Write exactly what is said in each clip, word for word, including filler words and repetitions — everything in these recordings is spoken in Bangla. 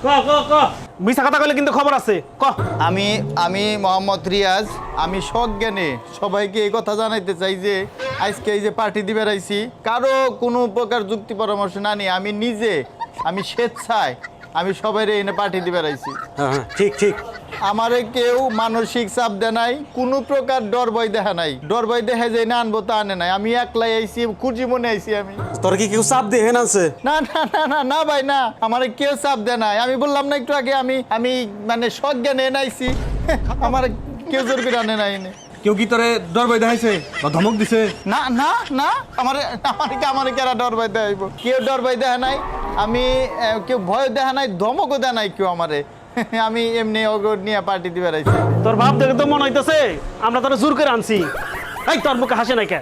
ক ক ক মিছা কথা কইলে কিন্তু খবর আছে ক। আমি আমি মোহাম্মদ রিয়াজ, আমি সজ্ঞানে সবাইকে এই কথা জানাইতে চাই যে আজকে এই যে পার্টি দিবে রাইছি, কারো কোনো প্রকার যুক্তি পরামর্শ না নিয়ে আমি নিজে আমি স্বেচ্ছায় আমি সবাইরে এনে পার্টি দিবে রাইছি। হ্যাঁ হ্যাঁ ঠিক ঠিক। আমারে কেউ মানসিক চাপ দেয় নাই, কোনো প্রকার ডর ভয় দেখা নাই। ডর ভয় দেখা যায় না আনবো তা আনে নাই। আমি একলাই আইছি, খুঁজি মনে আইছি আমি। তোর কি কেউ চাপ দিয়ে হেন আছে? না না না না না ভাই না, আমারে কেউ চাপ দেয় নাই। আমি বললাম না একটু আগে আমি আমি মানে সজ্ঞানে এনে আইছি, আমার কেউ জোর করে আনে নাই এনে। কেউ কি তোরে ডর ভয় দেখাইছে বা ধমক দিছে? না না না, আমার আমার কি আমার কেরা ডর ভয় দেখাইব? কেউ ডর ভয় দেখা নাই, আমি আহ, কেউ ভয় দেখা নাই, ধমকও দেয় নাই কেউ আমারে। আমি এমনি অগর নিয়ে পার্টি দিবে রাইছি। তোর বাপ দেখে তো মনে হইতেছে আমরা তোরা জোর করে আনছি। এই তোর মুখে হাসে নাই কে?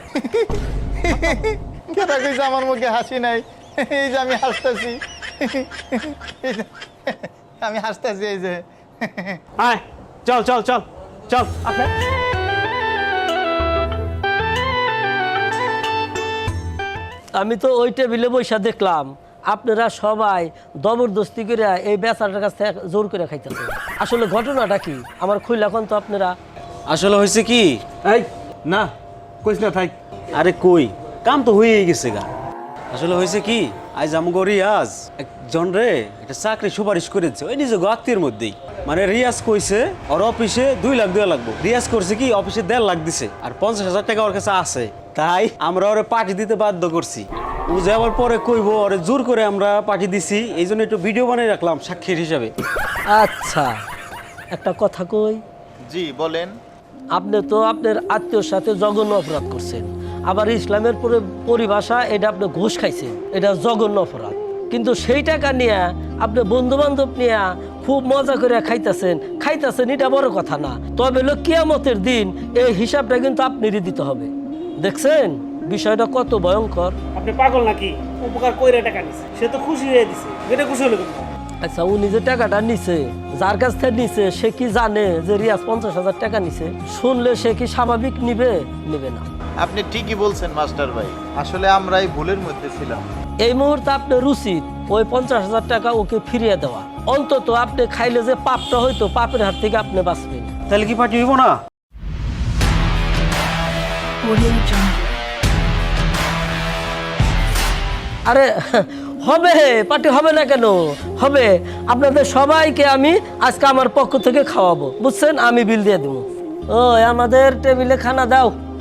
কেটা কইছে আমার মুখে হাসি নাই? এই যে আমি হাসতেছি, আমি হাসতেছি এই যে। আয় চল চল চল চল। আপনি আমি তো ওই টেবিলে বৈশা দেখলাম আপনারা সবাই জবরদস্তি করে এই বেচারার কাছ থেকে জোর করে খাইতেছে। আসলে ঘটনাটা কি আমার খুইলা কোন তো আপনারা? আসলে হয়েছে কি, এই না কইস না থাক। আরে কই কাম তো হয়েই গেছে গা। আসলে হয়েছে কি, আজ আমগো রিয়াজ একজন রে একটা চাকরি সুপারিশ করেছে ওই নিজে আত্মীয়ের মধ্যেই। মানে রিয়াজ কইছে ওর অফিসে দুই লাখ দেওয়া লাগবো, রিয়াজ করছে কি অফিসে দেড় লাখ দিছে আর পঞ্চাশ হাজার টাকা ওর কাছে আছে। তাই আমরা ওরে পার্টি দিতে বাধ্য করছি। ও যাওয়ার পরে কইবো ওরে জোর করে আমরা পার্টি দিছি, এই জন্য একটু ভিডিও বানিয়ে রাখলাম সাক্ষীর হিসাবে। আচ্ছা একটা কথা কই, জি বলেন। আপনি তো আপনার আত্মীয়র সাথে জঘন্য অপরাধ করছেন, আবার ইসলামের পরে পরিভাষা এটা আপনি ঘুষ খাইছেন, এটা জঘন্য অপরাধ। কিন্তু সেই টাকা নিয়ে আপনি বন্ধু বান্ধব নিয়ে খুব মজা করে খাইতেছেন খাইতেছেন এটা বড় কথা না। তবে হলো কিয়ামতের দিন এই হিসাবটা কিন্তু আপনারই দিতে হবে। দেখছেন বিষয়টা কত ভয়ঙ্কর? আপনি পাগল নাকি? উপকার কইরা টাকা নিছে, সে তো খুশি হয়ে দিছে। এটা খুশি হলো কেন? আচ্ছা উনি যে টাকাটা নিছে, যার কাছ থেকে নিছে সে কি জানে যে রিয়াজ পঞ্চাশ হাজার টাকা নিছে? শুনলে সে কি স্বাভাবিক নিবে? নিবে না। আপনি ঠিকই বলছেন মাস্টার ভাই, আসলে আমরা এই ভুলের মধ্যে ছিলাম। এই মুহূর্তে আপনার উচিত ওই পঞ্চাশ হাজার টাকা ওকে ফিরিয়ে দেওয়া। অন্তত আপনি খাইলে যে পাপটা হইতো পাপের হাত থেকে আপনি বাঁচবেন। তাহলে কি পার্টি হইব না? আরে হবে, পার্টি হবে না কেন? হবে। আপনাদের সবাইকে আমি আজকে আমার পক্ষ থেকে খাওয়াবো, বুঝছেন? আমি বিল দিয়ে দেবো। ও আমাদের টেবিলে খানা দাও।